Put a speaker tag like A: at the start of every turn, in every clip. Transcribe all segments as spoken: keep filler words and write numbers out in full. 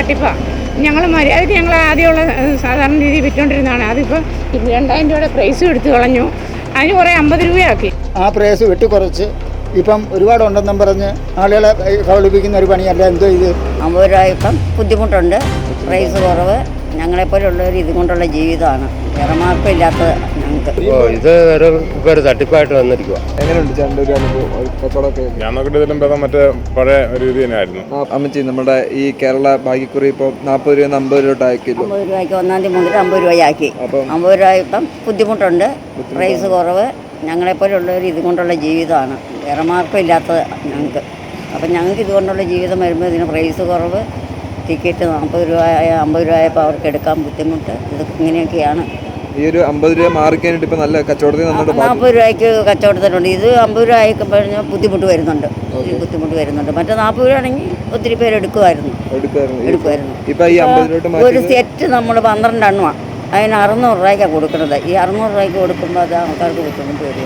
A: തട്ടിപ്പാണ്. ഞങ്ങൾ മര്യാദയ്ക്ക് ഞങ്ങൾ ആദ്യമുള്ള സാധാരണ രീതിയിൽ വിറ്റുകൊണ്ടിരുന്നതാണ്. അതിപ്പോൾ രണ്ടായിരം രൂപയുടെ പ്രൈസും എടുത്തു കളഞ്ഞു. അതിന് കുറേ അമ്പത് രൂപയാക്കി.
B: ആ പ്രൈസ് വെട്ടിക്കുറച്ച് ഇപ്പം ഒരുപാടുണ്ടെന്നും പറഞ്ഞ് ആളുകളെ കബളിപ്പിക്കുന്ന ഒരു പണിയല്ല. എന്തോ ഇത്
C: അമ്പത് രൂപ ഇപ്പം ബുദ്ധിമുട്ടുണ്ട്. പ്രൈസ് കുറവ്. ഞങ്ങളെപ്പോലുള്ളവർ ഇതുകൊണ്ടുള്ള ജീവിതമാണ്. വേറെ മാർഗമില്ലാത്തത് ഞങ്ങൾക്ക്.
D: ഇത് ഒരു ഇപ്പോൾ ഒരു തട്ടിപ്പായിട്ട് വന്നിരിക്കുക.
E: എങ്ങനെയുണ്ട് ചേട്ടൻ്റെ ഒരു അനുഭവം കച്ചവടമൊക്കെ?
F: ഞാൻ നോക്കിയിട്ട് ഇതിലും ഭേദം മറ്റേ പഴയ രീതി തന്നെയായിരുന്നു.
E: അമ്മച്ചി, നമ്മുടെ ഈ കേരള ഭാഗ്യക്കുറി ഇപ്പോൾ നാൽപ്പത് രൂപ അമ്പത് രൂപ ആക്കിയല്ലോ.
C: അമ്പത് രൂപയ്ക്ക് ഒന്നാം തീയതി മുതൽ അമ്പത് രൂപയാക്കി. അമ്പത് രൂപ ഇപ്പം ബുദ്ധിമുട്ടുണ്ട്. പ്രൈസ് കുറവ്. ഞങ്ങളെപ്പോലുള്ളവർ ഇതുകൊണ്ടുള്ള ജീവിതമാണ്. വേറെ മാർഗമില്ലാത്തത് ഞങ്ങൾക്ക്. അപ്പം ഞങ്ങൾക്ക് ഇതുകൊണ്ടുള്ള ജീവിതം വരുമ്പോൾ ഇതിന് പ്രൈസ് കുറവ്. ടിക്കറ്റ് നാൽപ്പത് രൂപ അമ്പത് രൂപയപ്പോൾ അവർക്ക് എടുക്കാൻ ബുദ്ധിമുട്ട്. ഇത് ഇങ്ങനെയൊക്കെയാണ്.
E: ഈ ഒരു അമ്പത് രൂപ മാറിക്കാനായിട്ട് ഇപ്പം നല്ല കച്ചവടത്തിൽ നന്നായിട്ട്
C: നാൽപ്പത് രൂപയ്ക്ക് കച്ചവടത്തിനുണ്ട്. ഇത് അമ്പത് രൂപ ആയി കഴിഞ്ഞാൽ ബുദ്ധിമുട്ട് വരുന്നുണ്ട്. ബുദ്ധിമുട്ട് വരുന്നുണ്ട്. മറ്റേ നാൽപ്പത് രൂപ ആണെങ്കിൽ ഒത്തിരി പേര് എടുക്കുമായിരുന്നു എടുക്കുമായിരുന്നു
E: ഇപ്പം ഈ അമ്പത് രൂപ
C: ഒരു സെറ്റ് നമ്മൾ പന്ത്രണ്ട് എണ്ണമാണ്. അതിന് അറുന്നൂറ് രൂപയ്ക്കാണ് കൊടുക്കുന്നത്. ഈ അറുന്നൂറ് രൂപയ്ക്ക് കൊടുക്കുമ്പോൾ അത് ആൾക്കാർക്ക് ബുദ്ധിമുട്ട് വരിക.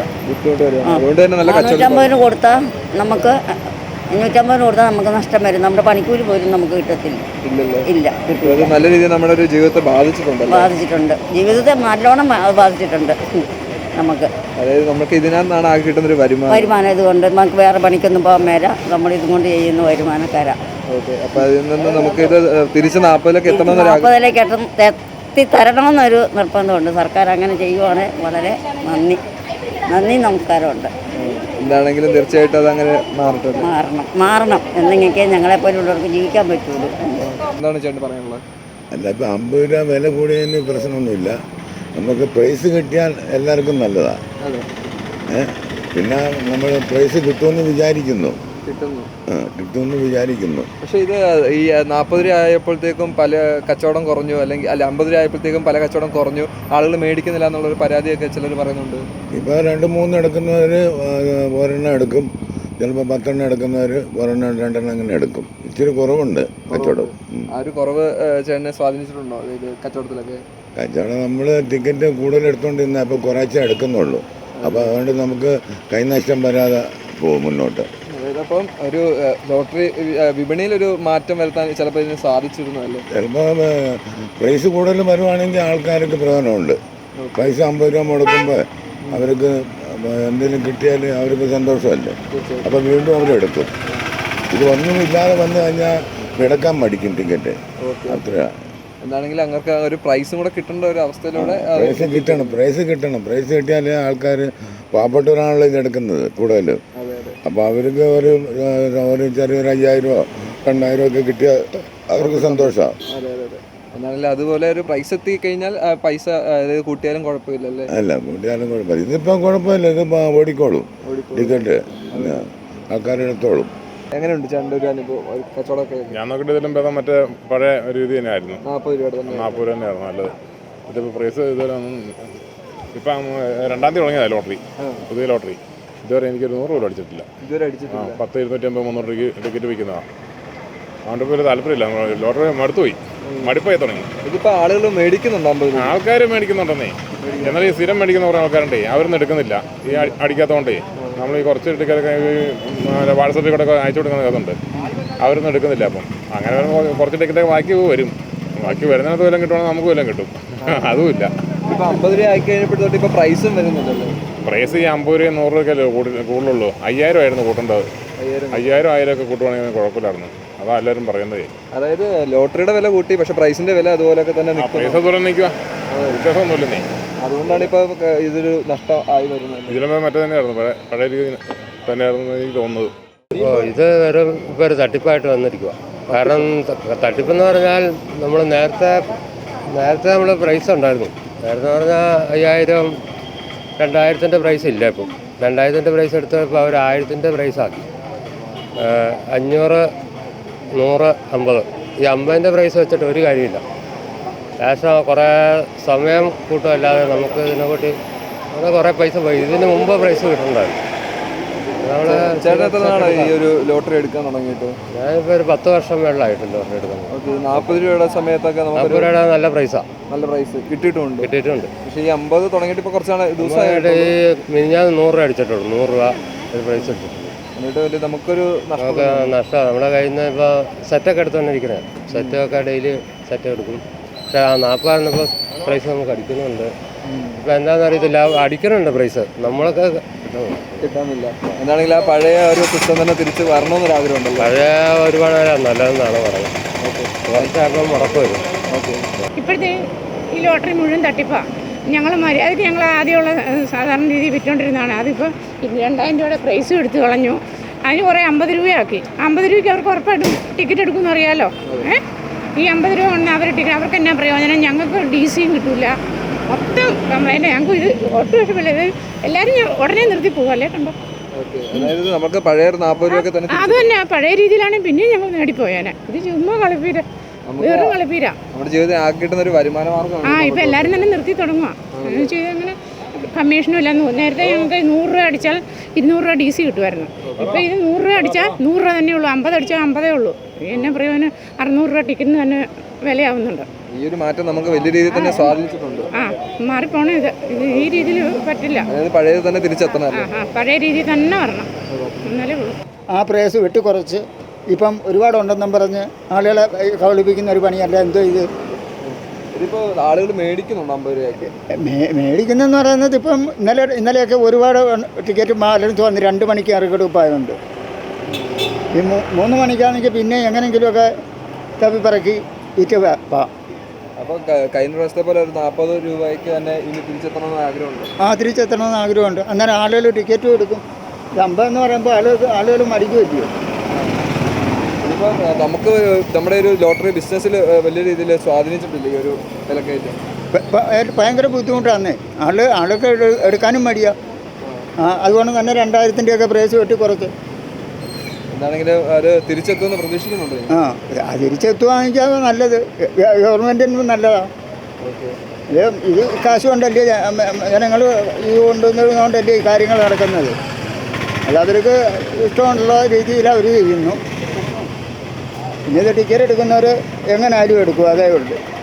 C: അഞ്ഞൂറ്റമ്പതിന് കൊടുത്താൽ നമുക്ക് അഞ്ഞൂറ്റമ്പതിന് കൊടുത്താൽ നമുക്ക് നഷ്ടം വരും. നമ്മുടെ പണിക്കൂലി പോലും നമുക്ക് കിട്ടത്തില്ല. ഇല്ല, കിട്ടില്ല.
E: നല്ല രീതിയിൽ നമ്മുടെ ഒരു ജീവിതത്തെ ബാധിച്ചിട്ടുണ്ട്
C: ബാധിച്ചിട്ടുണ്ട് ജീവിതത്തെ നല്ലോണം ബാധിച്ചിട്ടുണ്ട് നമുക്ക്.
E: അതായത് നമുക്ക് ഇതിനകത്താണ് ആകെ കിട്ടുന്ന ഒരു വരുമാനം
C: വരുമാനം ഇതുകൊണ്ട് നമുക്ക് വേറെ പണിക്കൊന്നും പോകാൻ മേല. നമ്മൾ ഇതുകൊണ്ട് ചെയ്യുന്ന വരുമാനക്കാരാണ്.
E: അപ്പോൾ അതിൽ നിന്ന് നമുക്ക് ഇത് തിരിച്ച് നാൽപ്പതിലേക്ക് എത്തണം
C: നാൽപ്പതിലേക്ക് എത്തി തരണമെന്നൊരു നിർബന്ധമുണ്ട്. സർക്കാർ അങ്ങനെ ചെയ്യുവാണെങ്കിൽ വളരെ നന്ദി നന്ദി നമസ്കാരമുണ്ട്.
E: എന്താണെങ്കിലും തീർച്ചയായിട്ടും അതങ്ങനെ മാറട്ടെ.
C: മാറണം മാറണം എന്നെങ്കിൽ ഞങ്ങളെപ്പോലുള്ളവർക്ക് ജീവിക്കാൻ പറ്റുള്ളൂ.
E: എന്താണ് ചേട്ടൻ പറയാനുള്ളത്?
G: അല്ല, ഇപ്പം അമ്പത് രൂപ വില കൂടിയതിന് പ്രശ്നമൊന്നുമില്ല. നമുക്ക് പ്രൈസ് കിട്ടിയാൽ എല്ലാവർക്കും നല്ലതാണ്. ഏഹ് പിന്നെ നമ്മൾ പ്രൈസ് കിട്ടുമെന്ന് വിചാരിക്കുന്നു
E: കിട്ടുന്നു
G: കിട്ടുമെന്ന് വിചാരിക്കുന്നു
E: പക്ഷേ ഇത് ഈ നാൽപ്പത് രൂപ ആയപ്പോഴത്തേക്കും പല കച്ചവടം കുറഞ്ഞു, അല്ലെങ്കിൽ അല്ല അമ്പത് രൂപ ആയപ്പോഴത്തേക്കും പല കച്ചവടം കുറഞ്ഞു, ആളുകൾ മേടിക്കുന്നില്ല എന്നുള്ളൊരു പരാതിയൊക്കെ ചിലർ പറയുന്നുണ്ട്.
G: ഇപ്പോൾ രണ്ട് മൂന്ന് എടുക്കുന്നവർ ഒരെണ്ണം എടുക്കും, ചിലപ്പോൾ പത്തെണ്ണം എടുക്കുന്നവർ ഒരെണ്ണം രണ്ടെണ്ണം അങ്ങനെ എടുക്കും. ഇച്ചിരി കുറവുണ്ട് കച്ചവടം.
E: ആ ഒരു കുറവ് ചേട്ടനെ സ്വാധീനിച്ചിട്ടുണ്ടോ ഇത് കച്ചവടത്തിലൊക്കെ?
G: കച്ചവടം നമ്മൾ ടിക്കറ്റ് കൂടുതൽ എടുത്തുകൊണ്ടിരുന്ന അപ്പോൾ കുറച്ചേ എടുക്കുന്നുള്ളൂ. അപ്പോൾ അതുകൊണ്ട് നമുക്ക് കൈനഷ്ടം വരാതെ പോകും മുന്നോട്ട്.
E: അപ്പം ഒരു ലോട്ടറി വിപണിയിൽ ഒരു മാറ്റം വരുത്താൻ ചിലപ്പോൾ ഇതിന് സാധിച്ചിരുന്നല്ലേ?
G: ചിലപ്പോൾ പ്രൈസ് കൂടുതൽ വരുവാണെങ്കിൽ ആൾക്കാർക്ക് പ്രയോജനമുണ്ട്. പൈസ അമ്പത് രൂപ മുടക്കുമ്പോൾ അവർക്ക് എന്തെങ്കിലും കിട്ടിയാൽ അവർക്ക് സന്തോഷമല്ലേ. അപ്പോൾ വീണ്ടും അവരെടുക്കും. ഇത് ഒന്നുമില്ലാതെ വന്നു കഴിഞ്ഞാൽ എടുക്കാൻ മടിക്കും ടിക്കറ്റ്. അത്രയാണ്.
E: എന്താണെങ്കിലും അങ്ങനെ ഒരു പ്രൈസും കൂടെ കിട്ടേണ്ട ഒരു അവസ്ഥയിലൂടെ
G: പ്രൈസ് കിട്ടണം പ്രൈസ് കിട്ടണം പ്രൈസ് കിട്ടിയാലേ ആൾക്കാർ പാവപ്പെട്ടവരാണല്ലോ ഇതെടുക്കുന്നത് കൂടുതലും. അപ്പോൾ അവർക്ക് ഒരു ഒരു ചെറിയൊരു അയ്യായിരമോ രണ്ടായിരമോ ഒക്കെ കിട്ടിയാൽ അവർക്ക് സന്തോഷമാണ്.
E: എന്നാലും അതുപോലെ ഒരു പ്രൈസ് എത്തി കഴിഞ്ഞാൽ പൈസ അതായത് കൂട്ടിയാലും കുഴപ്പമില്ലല്ലേ?
G: അല്ല, കൂട്ടിയാലും കുഴപ്പമില്ല. ഇതിപ്പം കുഴപ്പമില്ല. ഇത് ഓടിക്കോളും ടിക്കറ്റ്, ആൾക്കാരെടുത്തോളും.
E: എങ്ങനെയുണ്ട് ചേട്ടൻ്റെ ഒരു അനുഭവം കച്ചവടമൊക്കെ?
F: ഞാൻ നോക്കിയിട്ട് ഇതിലും ഭേദം മറ്റേ പഴയ രീതി തന്നെയായിരുന്നു.
E: നാൽപ്പത് രൂപയുടെ തന്നെ
F: നാൽപ്പത് രൂപ തന്നെയായിരുന്നു നല്ലത്. ഇതിപ്പോൾ പ്രൈസ് ഇതുവരെ ഇപ്പം രണ്ടാം തീയതി തുടങ്ങിയതാണ് ലോട്ടറി, പുതിയ ലോട്ടറി. ഇതുവരെ എനിക്കൊരു നൂറ് രൂപ അടിച്ചിട്ടില്ല.
E: ഇതുവരെ അടിച്ചിട്ടില്ല.
F: പത്ത് ഇരുന്നൂറ്റി അമ്പത് മുന്നൂറ് രൂപയ്ക്ക് ടിക്കറ്റ് വിൽക്കുന്നതാണ്. അതുകൊണ്ട് ഇപ്പോൾ ഒരു താല്പര്യമില്ല. ലോട്ടറി മടുത്തുപോയി, മടുപ്പായി തുടങ്ങി.
E: ഇതിപ്പോൾ ആളുകൾ മേടിക്കുന്നുണ്ടോ?
F: ആൾക്കാർ മേടിക്കുന്നുണ്ടെന്നേ. എന്നാൽ ഈ സ്ഥിരം മേടിക്കുന്ന കുറേ ആൾക്കാരുണ്ടേ, അവരൊന്നും എടുക്കുന്നില്ല ഈ അടിക്കാത്തതുകൊണ്ടേ. നമ്മൾ ഈ കുറച്ച് ടിക്കറ്റൊക്കെ വാട്സപ്പിൽ കൂടെ അയച്ചു കൊടുക്കുന്ന കേസുണ്ട്, അവരൊന്നും എടുക്കുന്നില്ല. അപ്പം അങ്ങനെ വരുമ്പോൾ കുറച്ച് ടിക്കറ്റൊക്കെ ബാക്കി വരും. ബാക്കി വരുന്നതിനകത്ത് വല്ലതും കിട്ടുവാണെങ്കിൽ നമുക്ക് വല്ലതും കിട്ടും. അതുമില്ല.
E: ഇപ്പോൾ അമ്പത് രൂപ ആയി കഴിഞ്ഞപ്പോഴത്തോട്ട് ഇപ്പോൾ പ്രൈസും വരുന്നില്ലല്ലോ.
F: പ്രൈസ് ഈ അമ്പത് രൂപ നൂറ് രൂപയ്ക്കല്ലേ കൂടുതലുള്ളൂ. അയ്യായിരം ആയിരുന്നു കൂട്ടേണ്ടത്. അയ്യായിരം ആയിരം ഒക്കെ കൂട്ടുവാണെങ്കിൽ കുഴപ്പമില്ലായിരുന്നു. അതാ എല്ലാവരും പറയുന്നത്.
E: അതായത് ലോട്ടറിയുടെ വില കൂട്ടി, പക്ഷെ പ്രൈസിന്റെ വില അതുപോലെയൊക്കെ തന്നെ
F: പൈസ ദൂരം നിൽക്കുക, വ്യത്യാസമൊന്നുമില്ലെന്നേ.
E: അതുകൊണ്ടാണ് ഇപ്പോൾ ഇതൊരു നഷ്ടം ആയി വരുന്നത്.
F: ഇതിലും മറ്റേ തന്നെയായിരുന്നു, പഴയ പഴയ രീതി തന്നെയായിരുന്നു എനിക്ക് തോന്നുന്നത്.
D: ഇപ്പോൾ ഇത് ഒരു ഇപ്പോൾ ഒരു തട്ടിപ്പായിട്ട് വന്നിരിക്കുക. കാരണം തട്ടിപ്പെന്ന് പറഞ്ഞാൽ നമ്മൾ നേരത്തെ നേരത്തെ നമ്മൾ പ്രൈസ് ഉണ്ടായിരുന്നു. നേരത്തെ പറഞ്ഞാൽ അയ്യായിരം രണ്ടായിരത്തിൻ്റെ പ്രൈസ് ഇല്ല. ഇപ്പം രണ്ടായിരത്തിൻ്റെ പ്രൈസ് എടുത്തപ്പോൾ അവർ ആയിരത്തിൻ്റെ പ്രൈസാക്കി. അഞ്ഞൂറ് നൂറ് അമ്പത് ഈ അമ്പതിൻ്റെ പ്രൈസ് വെച്ചിട്ട് ഒരു കാര്യമില്ല. ലാസ്റ്റ് കുറേ സമയം കൂട്ടുമല്ലാതെ നമുക്ക് ഇതിനെക്കൂട്ടി അങ്ങനെ കുറേ പൈസ പോയി. ഇതിന് മുമ്പ് പ്രൈസ് കിട്ടുന്നുണ്ടായിരുന്നു. നമ്മൾ
E: ചേട്ടനാണ് ഈ ഒരു ലോട്ടറി എടുക്കാൻ തുടങ്ങിയിട്ട്?
D: ഞാനിപ്പോൾ ഒരു പത്ത് വർഷം മേളിലായിട്ട് ലോട്ടറി എടുക്കുന്നത്.
E: ഓക്കെ. നാൽപ്പത് രൂപയുടെ സമയത്തൊക്കെ
D: നാൽപ്പത് രൂപയുടെ നല്ല പ്രൈസാണ്.
E: നല്ല പ്രൈസ് കിട്ടിയിട്ടുണ്ട്
D: കിട്ടിയിട്ടുണ്ട്.
E: പക്ഷേ ഈ അമ്പത് തുടങ്ങിയിട്ട് ഇപ്പോൾ കുറച്ചാണ് ദിവസമായിട്ട്
D: ഈ മിനിഞ്ഞാന്ന് നൂറ് രൂപ അടിച്ചിട്ടുള്ളൂ. നൂറ് രൂപ ഒരു പ്രൈസ് എടുത്തിട്ടുണ്ട്.
E: എന്നിട്ട് വലിയ നമുക്കൊരു നഷ്ടം
D: നമുക്ക് നഷ്ടമാണ്. നമ്മുടെ കയ്യിൽ നിന്ന് ഇപ്പോൾ സെറ്റൊക്കെ എടുത്തുകൊണ്ടിരിക്കുന്നത്. സെറ്റൊക്കെ ഡെയിലി സെറ്റ് എടുക്കും. പക്ഷേ ആ നാൽപ്പതാണ് ഇപ്പോൾ പ്രൈസ് നമുക്ക് അടിക്കുന്നുണ്ട്. ഇപ്പം എന്താണെന്ന് അറിയത്തില്ല, അടിക്കണുണ്ട് പ്രൈസ്, നമ്മളൊക്കെ
E: കിട്ടാനില്ല. എന്താണെങ്കിലും ആ പഴയ ഒരു സിസ്റ്റം തന്നെ തിരിച്ച് വരണമെന്നൊരാഗ്രഹം ഉണ്ടല്ലോ.
D: പഴയ ഒരുപാട് നല്ലതെന്നാണ് പറയുന്നത്. കുറച്ചാകുമ്പോൾ മുടക്കം വരും.
A: ഇപ്പോഴത്തെ ഈ ലോട്ടറി മുഴുവൻ തട്ടിപ്പാണ്. ഞങ്ങൾ മര്യാദയ്ക്ക് ഞങ്ങൾ ആദ്യമുള്ള സാധാരണ രീതിയിൽ വിറ്റുകൊണ്ടിരുന്നതാണ്. അതിപ്പോൾ രണ്ടായിരം രൂപയുടെ പ്രൈസും എടുത്ത് കളഞ്ഞു. അതിന് കുറേ അമ്പത് രൂപയാക്കി. അമ്പത് രൂപയ്ക്ക് അവർക്ക് ഉറപ്പായിട്ടും ടിക്കറ്റ് എടുക്കുമെന്ന് അറിയാമല്ലോ. ഏഹ് ഈ അമ്പത് രൂപ കൊണ്ട് അവർ ടിക്കറ്റ് അവർക്ക് എന്നാ പ്രയോജനം? ഞങ്ങൾക്ക് ഡി സിയും കിട്ടില്ല. മൊത്തം കംപ്ലൈൻറ്റ്. ഞങ്ങൾക്ക് ഇത് ഒട്ടും ഇഷ്ടമില്ല. ഇത് എല്ലാവരും ഉടനെ നിർത്തി പോകും. അല്ലേ കണ്ടോ?
E: അതായത് നമുക്ക് പഴയ നാൽപ്പത് രൂപയൊക്കെ തന്നെ
A: അത് തന്നെ പഴയ രീതിയിലാണെങ്കിൽ പിന്നെയും ഞങ്ങൾ നേടിപ്പോയാനെ. ഇത് ചുമ്മാ കളിപ്പീര, വേറും കളിപ്പീര.
E: നമ്മുടെ ജീവിതത്തിൽ ആക്കി കിട്ടുന്ന ഒരു വരുമാന മാർഗ്ഗമാണ്.
A: ആ ഇപ്പം എല്ലാവരും തന്നെ നിർത്തി തുടങ്ങുക. എന്ന് ചെയ്ത് അങ്ങനെ കമ്മീഷനും ഇല്ല. നേരത്തെ ഞങ്ങൾക്ക് നൂറ് രൂപ അടിച്ചാൽ ഇരുന്നൂറ് രൂപ ഡി സി കിട്ടുമായിരുന്നു. ഇപ്പം ഇത് നൂറ് രൂപ അടിച്ചാൽ നൂറ് രൂപ തന്നെ ഉള്ളൂ. അമ്പത് അടിച്ചാൽ അമ്പതേ ഉള്ളൂ. എന്നെ പ്രയോജനം അറുന്നൂറ് രൂപ ടിക്കറ്റിന് തന്നെ വിലയാവുന്നുണ്ട്.
E: ഈ ഒരു മാറ്റം നമുക്ക് വലിയ രീതിയിൽ തന്നെ സ്വാധീനിച്ചിട്ടുണ്ട്.
A: ആ മാറിപ്പോണേ. ഇത് ഇത് ഈ രീതിയിൽ പറ്റില്ല.
E: അതായത് പഴയത് തന്നെ തിരിച്ചെത്തണം.
A: ആ ആ പഴയ രീതിയിൽ തന്നെ വരണം, എന്നാലേ ഉള്ളൂ.
B: ആ പ്രൈസ് വെട്ടിക്കുറച്ച് ഇപ്പം ഒരുപാടുണ്ടെന്നും പറഞ്ഞ് ആളുകളെ കബളിപ്പിക്കുന്ന ഒരു പണിയല്ല എന്തോ ഇത്.
E: ഇതിപ്പോൾ ആളുകൾ മേടിക്കുന്നുണ്ട് അമ്പത് രൂപയ്ക്ക്.
B: മേ മേടിക്കുന്നതെന്ന് പറയുന്നത് ഇപ്പം ഇന്നലെ ഇന്നലെയൊക്കെ ഒരുപാട് ടിക്കറ്റ് മാലടുത്ത് വന്ന് രണ്ട് മണിക്ക് ഇറക്കെടുപ്പായതുണ്ട്. ഈ മൂന്ന് മണിക്കാണെങ്കിൽ പിന്നെ എങ്ങനെയെങ്കിലുമൊക്കെ തപ്പിപ്പറക്കി വിറ്റ് പാം.
E: അപ്പോൾ കഴിഞ്ഞ പ്രാവശ്യത്തെ പോലെ ഒരു നാൽപ്പത് രൂപയ്ക്ക് തന്നെ ഇനി തിരിച്ചെത്തണമെന്ന് ആഗ്രഹമുണ്ട്.
B: ആ തിരിച്ചെത്തണമെന്ന് ആഗ്രഹമുണ്ട്. അന്നേരം ആളുകൾ ടിക്കറ്റും എടുക്കും. അമ്പതെന്ന് പറയുമ്പോൾ ആളുകൾ ആളുകൾ മടിക്ക് പറ്റിയോ.
E: ഇതിപ്പോൾ നമുക്ക് നമ്മുടെ ഒരു ലോട്ടറി ബിസിനസ്സിൽ വലിയ രീതിയിൽ സ്വാധീനിച്ചിട്ടില്ല ഈ ഒരു വിലക്കയറ്റം.
B: ഭയങ്കര ബുദ്ധിമുട്ടാണ്. ആള് ആളൊക്കെ എടുക്കാനും മടിയാ. ആ അതുകൊണ്ട് തന്നെ രണ്ടായിരത്തിൻ്റെയൊക്കെ പ്രൈസ് വെട്ടി കുറച്ച്.
E: എന്താണെങ്കിലും അത് തിരിച്ചെത്തുമെന്ന് പ്രതീക്ഷിക്കുന്നുണ്ട്.
B: ആ അത് തിരിച്ചെത്തുവാണെങ്കിൽ അത് നല്ലത്. ഗവൺമെൻറ്റിന് നല്ലതാണ്. ഇത് ഇത് കാശ് കൊണ്ടല്ലേ ജനങ്ങൾ ഇത് കൊണ്ടുവന്നതുകൊണ്ടല്ലേ ഈ കാര്യങ്ങൾ നടക്കുന്നത്. അത് അവർക്ക് ഇഷ്ടമുള്ള രീതിയിൽ അവർ ചെയ്യുന്നു. പിന്നെ ഇത് ടിക്കറ്റ് എടുക്കുന്നവർ എങ്ങനെ ആരും എടുക്കും, അതേ ഉള്ളൂ.